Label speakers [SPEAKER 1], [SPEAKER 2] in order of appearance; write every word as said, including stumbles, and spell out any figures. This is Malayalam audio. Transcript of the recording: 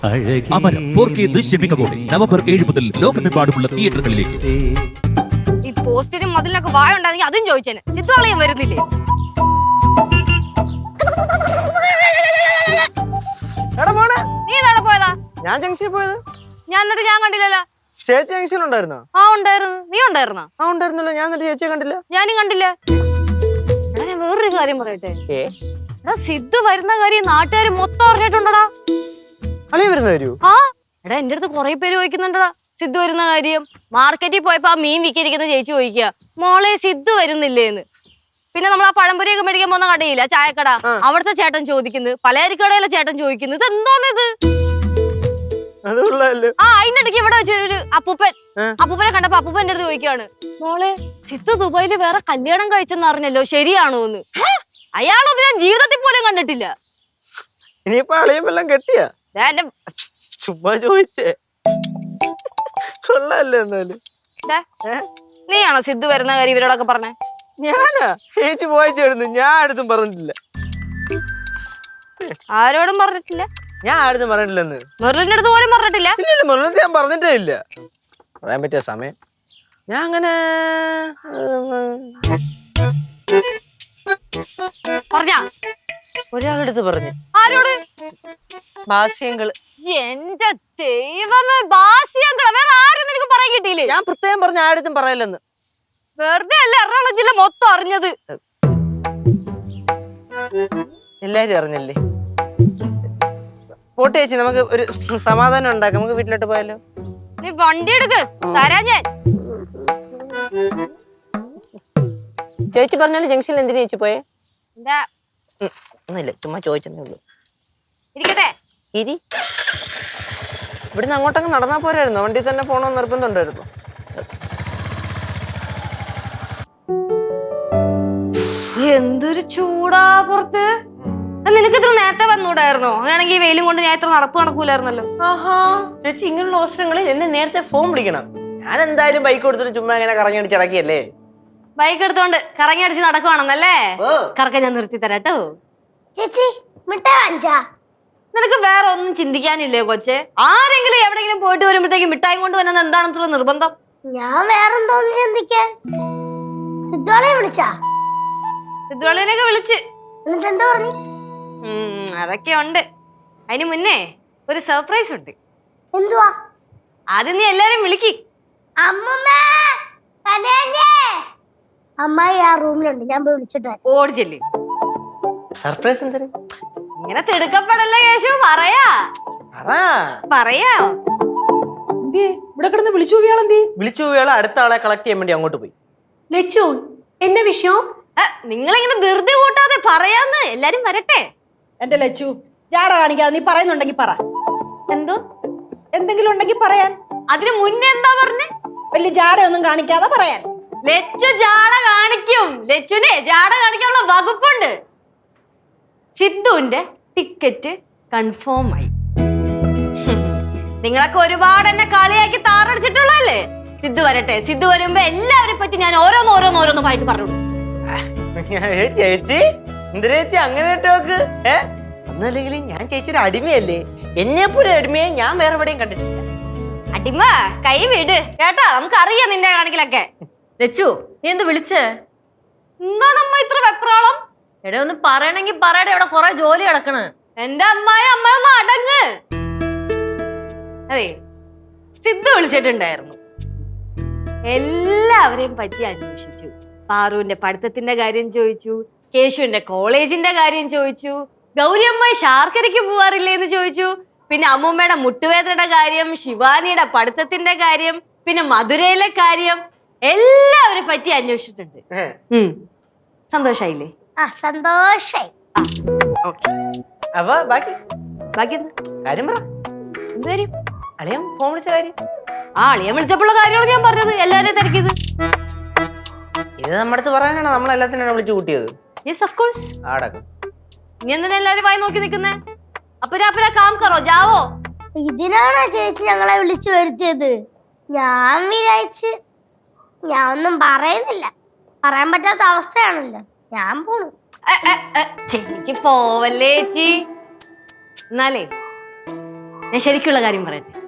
[SPEAKER 1] അമരം ഫോർ കെ ദൃശ്യമികവോടെ നവംബർ ഏഴ് മുതൽ ലോകമെമ്പാടുമുള്ള തിയേറ്ററുകളിലേക്ക്.
[SPEAKER 2] ഈ പോസ്റ്റിനും മതിലൊക്കെ വായ ഉണ്ടായിരുന്നെങ്കിൽ അതും ചോദിച്ചേനെ. സിദ്ധുവളയും വരുന്നില്ലേ? നീ നാളെ പോയതാ?
[SPEAKER 3] ഞാൻ ജംഗ്ഷനിൽ പോയത്.
[SPEAKER 2] ഞാൻ എന്നിട്ട് ഞാൻ കണ്ടില്ലല്ലോ.
[SPEAKER 3] ചേച്ചി ജംഗ്ഷനിൽ ഉണ്ടായിരുന്നോ?
[SPEAKER 2] ആ ഉണ്ടായിരുന്നു. നീ ഉണ്ടായിരുന്നോ?
[SPEAKER 3] ആ ഉണ്ടായിരുന്നല്ലോ. ഞാൻ എന്നിട്ട് ചേച്ചിയെ കണ്ടില്ല.
[SPEAKER 2] ഞാനും കണ്ടില്ല. ഞാൻ വേറൊരു കാര്യം പറയട്ടെ. എടാ സിദ്ധു വരുന്ന കാര്യം നാട്ടുകാർ മൊത്തം അറിഞ്ഞിട്ടുണ്ടടാ.
[SPEAKER 3] അളിയ വരുന്ന കാര്യോ?
[SPEAKER 2] ആ എടാ എന്റെ അടുത്ത് കുറെ പേര് ചോദിക്കുന്നുണ്ടടാ സിദ്ധു വരുന്ന കാര്യം. മാർക്കറ്റിൽ പോയപ്പോ ആ മീൻ വിൽക്കിരിക്കുന്ന ചേച്ചി ചോദിക്കുക, മോളെ സിദ്ധു വരുന്നില്ലേന്ന്. പിന്നെ നമ്മൾ ആ പഴംപൊരിയൊക്കെ മേടിക്കാൻ പോകുന്ന കടയില്ല, ചായക്കട, അവിടുത്തെ ചേട്ടൻ ചോദിക്കുന്നു, പലചരക്കടയിലെ ചേട്ടൻ ചോദിക്കുന്നു, ഇത് എന്തോന്നിത്? ആ അതിനിടയ്ക്ക് ഇവിടെ വെച്ച് ഒരു അപ്പൂപ്പൻ അപ്പൂപ്പനെ കണ്ടപ്പോ അപ്പൂപ്പൻ എന്റെ അടുത്ത് ചോദിക്കുകയാണ്, മോളെ സിദ്ധു ദുബായില് വേറെ കല്യാണം കഴിച്ചെന്ന് അറിഞ്ഞല്ലോ, ശരിയാണോ എന്ന്. അയാളൊന്നും ഞാൻ ജീവിതത്തിൽ പോലും കണ്ടിട്ടില്ല.
[SPEAKER 3] ഇനിയിപ്പോ അളിയും എല്ലാം കെട്ടിയാ? ചുമ്മാ ചോദിച്ചേ. കൊള്ളാല്ലേ എന്നാലും.
[SPEAKER 2] നീയാണോ സിദ്ധു വരുന്ന കാര്യം ഇവരോടൊക്കെ പറഞ്ഞേ?
[SPEAKER 3] ഞാനാ? ചേച്ചി പോയിച്ചായിരുന്നു. ഞാൻ ആരും പറഞ്ഞിട്ടില്ല.
[SPEAKER 2] ആരോടും പറഞ്ഞിട്ടില്ല?
[SPEAKER 3] ഞാൻ ആരും പറഞ്ഞിട്ടില്ലെന്ന്.
[SPEAKER 2] മെറിലിന്റെ അടുത്ത് പോലും പറഞ്ഞിട്ടില്ല?
[SPEAKER 3] ഇല്ല, മെറിലിന്റെ ഞാൻ പറഞ്ഞിട്ടേ ഇല്ല. പറയാൻ പറ്റിയ സമയം ഞാൻ അങ്ങനെ
[SPEAKER 2] പറഞ്ഞ
[SPEAKER 3] ഒരാളെടുത്ത് പറഞ്ഞു.
[SPEAKER 2] ആരോട്?
[SPEAKER 3] ബാസ്യങ്ങള്.
[SPEAKER 2] എന്റെ ദൈവമേ, ബാസ്യങ്ങള്. വേറെ ആരും നിനക്ക് പറയാൻ കിട്ടിയില്ലേ?
[SPEAKER 3] ഞാൻ പ്രത്യേകം പറഞ്ഞ ആരും പറയല്ലെന്ന്.
[SPEAKER 2] വെറുതെ അല്ല എറണാകുളം ജില്ല മൊത്തം അറിഞ്ഞത്.
[SPEAKER 3] എല്ലാരും അറിഞ്ഞല്ലേ? പോട്ടെ ചേച്ചി, നമുക്ക് ഒരു സമാധാനം ഉണ്ടാക്കാം. നമുക്ക് വീട്ടിലോട്ട് പോയാലോ?
[SPEAKER 2] നീ വണ്ടി എടുക്ക്, തരാ ഞാൻ.
[SPEAKER 3] ചേച്ചി പറഞ്ഞാലും ജംഗ്ഷനിൽ എന്തിനാ ചേച്ചി പോയേ?
[SPEAKER 2] എന്താ?
[SPEAKER 3] ഒന്നുമില്ല, ചുമ്മാ ചോദിച്ചതേ ഉള്ളൂ.
[SPEAKER 2] ഇരിക്കട്ടെ.
[SPEAKER 3] ഇരി. ഇവിടുന്ന് അങ്ങോട്ടങ്ങ് നടന്നാ പോരായിരുന്നോ? വണ്ടി തന്നെ പോണോന്ന് നിർബന്ധമുണ്ടായിരുന്നു.
[SPEAKER 2] എന്തൊരു ചൂടാ പുറത്ത്. നിനക്ക് ഇത്ര നേരത്തെ വന്നൂടായിരുന്നോ? അങ്ങനെയാണെങ്കിൽ ഈ വെയിലും കൊണ്ട് ഞാൻ ഇത്ര നടപ്പ് നടക്കൂലായിരുന്നല്ലോ.
[SPEAKER 3] ആഹാ ചേച്ചി, ഇങ്ങനെയുള്ള അവസരങ്ങളിൽ എന്നെ നേരത്തെ ഫോൺ വിളിക്കണം. ഞാൻ എന്തായാലും ബൈക്ക് കൊടുത്തിട്ട് ചുമ്മാ ഇങ്ങനെ കറങ്ങി അടിച്ച് അടക്കിയല്ലേ.
[SPEAKER 2] ബൈക്ക് എടുത്തോണ്ട് കറങ്ങി അടിച്ച് നടക്കുവാണെന്നല്ലേ? കറക്ക ഞാൻ നിർത്തി തരാട്ടോ.
[SPEAKER 4] ചേച്ചി മിഠായി വാങ്ങിച്ചാ?
[SPEAKER 2] നിനക്ക് വേറെ ഒന്നും ചിന്തിക്കാനില്ലേ കൊച്ചെ? ആരെങ്കിലും എവിടെയെങ്കിലും പോയിട്ട് വരുമ്പോഴത്തേക്കും മിഠായി കൊണ്ട് വന്നത് എന്താണെന്നുള്ള നിർബന്ധം?
[SPEAKER 4] ഞാൻ വേറെന്തോന്ന് ചിന്തിക്കാൻ. സിദ്ധുവളയെ വിളിച്ചാ?
[SPEAKER 2] സിദ്ധുവളിനെയൊക്കെ വിളിച്ച്.
[SPEAKER 4] എന്നിട്ട് എന്താ പറഞ്ഞു?
[SPEAKER 2] അതൊക്കെ ഉണ്ട്. അതിന് മുന്നേ ഒരു സർപ്രൈസ് ഉണ്ട്.
[SPEAKER 4] എന്തുവാ?
[SPEAKER 2] ആദ്യം നീ എല്ലാരും വിളിക്ക്.
[SPEAKER 4] അമ്മായി ആ റൂമിലുണ്ട്, ഞാൻ പോയി വിളിച്ചിട്ട്
[SPEAKER 2] ഓടിച്ചെല്ലേ.
[SPEAKER 3] സർപ്രൈസ് എന്തിന്?
[SPEAKER 2] ഇങ്ങനെ തിടുക്കപ്പെടല്ലേ കേശു, പറയാ പറയാ.
[SPEAKER 5] ഇവിടെ കിടന്ന് വിളിച്ചു പോയാളെന്തി?
[SPEAKER 3] വിളിച്ചു പോയാളെ അടുത്ത ആളെ കളക്ട് ചെയ്യാൻ വേണ്ടി അങ്ങോട്ട് പോയി.
[SPEAKER 5] ലച്ചു, എന്നെ വിഷയം?
[SPEAKER 2] നിങ്ങളിങ്ങനെ ധൃതി കൂട്ടാതെ പറയാന്ന്. എല്ലാരും വരട്ടെ.
[SPEAKER 5] എന്റെ ലച്ചു, ജാട കാണിക്കാതെ നീ പറയുന്നുണ്ടെങ്കിൽ പറ.
[SPEAKER 2] എന്തോ
[SPEAKER 5] എന്തെങ്കിലും ഉണ്ടെങ്കിൽ പറയാൻ.
[SPEAKER 2] അതിന് മുന്നേ എന്താ പറഞ്ഞേ?
[SPEAKER 5] വലിയ ജാടയൊന്നും കാണിക്കാതെ പറയാൻ.
[SPEAKER 2] ലച്ചു ജാട കാണിക്കും. ലച്ചുനെ ജാട കാണിക്കാനുള്ള വകുപ്പുണ്ട്. സിദ്ധുവിന്റെ ടിക്കറ്റ് കൺഫേം ആയി. നിങ്ങളൊക്കെ ഒരുപാട് എന്നെ കളിയാക്കി താറടിച്ചിട്ടുള്ളല്ലേ? സിദ്ധു വരട്ടെ. സിദ്ധു വരുമ്പോ എല്ലാവരെ പറ്റി ഞാൻ ഓരോന്ന് ഓരോന്ന് ഓരോന്ന് പായിട്ട് പറഞ്ഞു.
[SPEAKER 3] ചേച്ചി എന്തിനാ ചേച്ചി അങ്ങനെ ടോക്ക്? ഏ ഒന്നല്ലെങ്കിൽ ഞാൻ ചേച്ചി ഒരു അടിമയല്ലേ? എന്നെ പോലെ അടിമയെ ഞാൻ വേറെ എവിടെയും കണ്ടിട്ടില്ല.
[SPEAKER 2] അടിമ കൈ വിട് കേട്ടാ, നമുക്ക് അറിയാം നിന്റെ കാണിക്കലൊക്കെ.
[SPEAKER 6] ലച്ചു, നീ എന്ത് വിളിച്ചേ?
[SPEAKER 2] എന്താണ് അമ്മ ഇത്ര വെപ്രാളം?
[SPEAKER 6] എടാ ഒന്ന് പറയണെങ്കി പറയട്ടെ, ഇവിടെ കൊറേ ജോലി കിടക്കണ്.
[SPEAKER 2] എന്റെ അമ്മായി അമ്മ ഒന്ന് അടങ്ങ്. അതെ, സിദ്ധു വിളിച്ചിട്ടുണ്ടായിരുന്നു. എല്ലാവരെയും പറ്റി അന്വേഷിച്ചു. പാറുവിന്റെ പഠിത്തത്തിന്റെ കാര്യം ചോദിച്ചു, കേശുവിന്റെ കോളേജിന്റെ കാര്യം ചോദിച്ചു, ഗൗരി അമ്മായി ശാർക്കരയ്ക്ക് പോവാറില്ലേ എന്ന് ചോദിച്ചു, പിന്നെ അമ്മൂമ്മയുടെ മുട്ടുവേദനയുടെ കാര്യം, ശിവാനിയുടെ പഠിത്തത്തിന്റെ കാര്യം, പിന്നെ മധുരയിലെ കാര്യം, എല്ലാവരെ പറ്റി അന്വേഷിച്ചിട്ടുണ്ട്. സന്തോഷായില്ലേ?
[SPEAKER 4] ആ സന്തോഷായി.
[SPEAKER 3] അപ്പൊ ബാക്കി
[SPEAKER 2] ബാക്കി എന്താ
[SPEAKER 3] കാര്യം പറ.
[SPEAKER 2] എന്ത് കാര്യം?
[SPEAKER 3] അളിയൻ ഫോൺ വിളിച്ച കാര്യം.
[SPEAKER 2] ആ അളിയൻ വിളിച്ചപ്പോഴുള്ള കാര്യമാണ് ഞാൻ പറഞ്ഞത്. എല്ലാവരെയും തിരക്കിയത്
[SPEAKER 3] ഇത് നമ്മുടെ അടുത്ത് പറയാനാണ് നമ്മൾ എല്ലാത്തിനും വിളിച്ചു കൂട്ടിയത്.
[SPEAKER 2] Yes of course.
[SPEAKER 3] ആടക്കം
[SPEAKER 2] നീ എന്തിനാ എല്ലാരും വായി നോക്കി നിൽക്കുന്നേ? അപ്പരാ അപ്പരാ കാം കറോ, ജാവോ.
[SPEAKER 4] ഇതിനാണോ ചേച്ചി ഞങ്ങളെ വിളിച്ചു വരുത്തിയത്? ഞാൻ വിചാരിച്ച് ഞാൻ ഒന്നും പറയുന്നില്ല, പറയാൻ പറ്റാത്ത അവസ്ഥയാണല്ലോ, ഞാൻ പോണു.
[SPEAKER 2] ചേച്ചി പോവല്ലേ ചേച്ചി. എന്നാലേ ഞാൻ ശരിക്കുള്ള കാര്യം പറയട്ടെ.